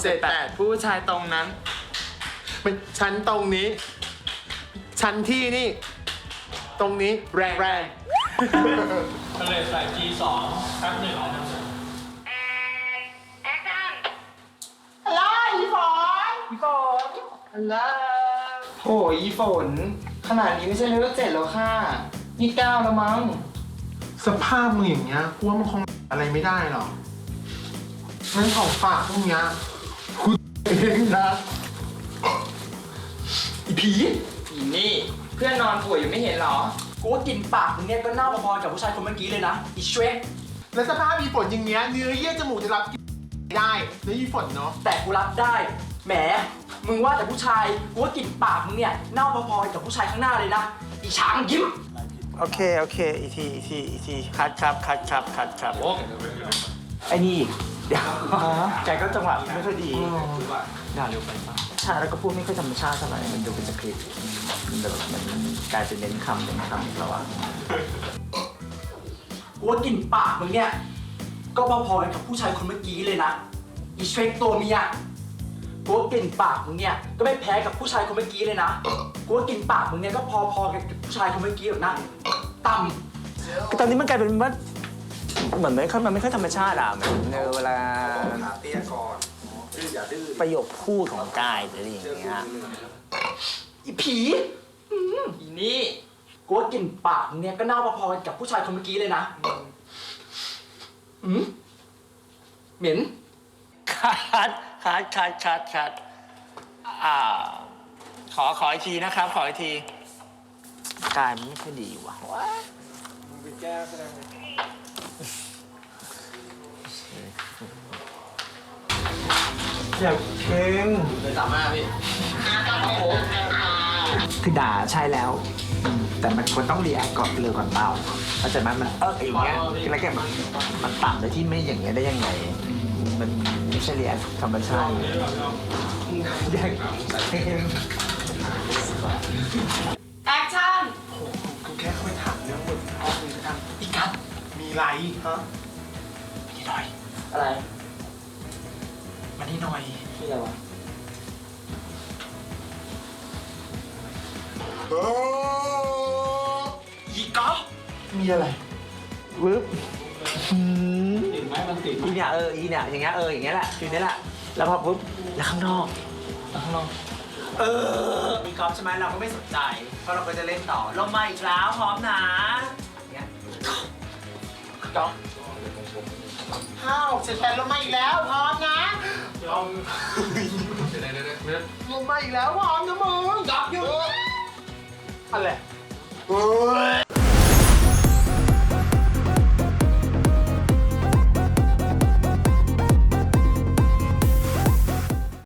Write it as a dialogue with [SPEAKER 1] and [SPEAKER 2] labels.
[SPEAKER 1] 7 8ผู้ชายตรงนั้น
[SPEAKER 2] มันชั้นตรงนี้ ชั้นที่นี่ ตรงนี้แรง
[SPEAKER 3] ก็เลยใส่ G2 แป๊บหนึ่งนะครับ
[SPEAKER 4] ฮัลโหลอีฝนฮัลโหลโหอีฝนขนาดนี้ไม่ใช่เลเวล7แล้วค่ะนี่9แล้วมั้ง
[SPEAKER 2] สภาพมึงอย่างเงี้ยกูว่ามันคงอะไรไม่ได้หรอกงั้นของฝากพวกเนี้ยกูเองนะ
[SPEAKER 4] อีผีอีนี่เพื่อนนอนป่วยอยู่ไม่เห็นเหรอกูว่ากินปากมึงเนี่ยก็เน่าพอๆกับผู้ชายคนเมื่อกี้เลยนะอีเชร
[SPEAKER 2] แล้วสภาพอีฝนอย่างเงี้ยเนื้อเยื่อจมูกจะรับได้แล้วอีฝนเนาะ
[SPEAKER 4] แต่กูรับได้แหมมึงว่าแต่ผู้ชายกูว่ากลิ่นปากมึงเนี่ยเน่าพอๆกับผู้ชายข้างหน้าเลยนะอีช้างยิ้ม
[SPEAKER 5] โอเคอีกทีคัดครับไอ้นี่อีกเดี๋ยวแกก็จังหวะไม่ค่อยดีด่าเร็วไปป่ะใช่แล้วก็พูดไม่ค่อยธรรมชาติเท่าไหร่มันดูเป็นสคริปต์มันแบบมันกลายเป็นเน้นคำแล้วอะ
[SPEAKER 4] กูว่ากลิ่นปากมึงเนี่ยก็พอๆกับผู้ชายคนเมื่อกี้เลยนะอีเชรตัวเมียกูว่ากลิ่นปากมึงเนี่ยก็ไม่แพ้กับผู้ชายคนเมื่อกี้เลยนะกูว่ากลิ่นปากมึงเนี่ยก็พอๆกับผู้ชายคนเมื่อกี้หรอกนะต่ำ
[SPEAKER 5] ตอนนี้มันกลายเป็นว่าเหมือนมันไม่ค่อยธรรมชาติอะเหมือนเวลาประโยคพูดของกายหรืออะไรอย่างเงี้ย
[SPEAKER 4] อีผีอีนี่กูว่ากลิ่นปากมึงเนี่ยก็เน่าพอๆกับผู้ชายคนเมื่อกี้เลยนะเหม็น
[SPEAKER 5] คัดขออีกทีนะครับขออีกทีกายมันไม่ค่อยดีว่ะอยากเพลง
[SPEAKER 4] เลยสามารถพี่
[SPEAKER 5] คือด่าใช่แล้วแต่มันควรต้องรีแอคก่อนเลยก่อนเปล่าเข้าใจไหมมันอย่างเงี้ยคือแล้วแกมันต่ำโดยที่ไม่อย่างเงี้ยได้ยังไงมันไม่ใช่รีแอคธรรมชาติอยากเพลง
[SPEAKER 4] แอคชั่น
[SPEAKER 2] กูแค่เข้าไปถามเรื่องบทพ่อมึงกัน
[SPEAKER 4] อีกัส
[SPEAKER 2] มีไรฮะ
[SPEAKER 4] นี่หน่อยอะไร
[SPEAKER 2] มานี่หน่อย
[SPEAKER 4] นี่อะไรวะ อีก๊อฟ
[SPEAKER 2] มีอะไร
[SPEAKER 5] วึบ
[SPEAKER 3] ติดไหมมันติดไหม
[SPEAKER 5] อีเนี่ยอย่างเงี้ยอย่างเงี้ยแหละคือเนี้ยแหละแล้วพอปุ๊บแล้วข้างนอกมีกอล์ฟใช่ไหมเราก็ไม่สนใจเพราะเราก็จะเล่นต่อลงมาอีกแล้วพร้อมนะเงี้ย
[SPEAKER 4] ก๊อฟ
[SPEAKER 2] 5 6 7 8ลงมาอีกแล้วพร้อมนะลงมาอีกแล้วพร้อมนะมึง
[SPEAKER 4] ก๊อฟหยุด
[SPEAKER 2] อะไร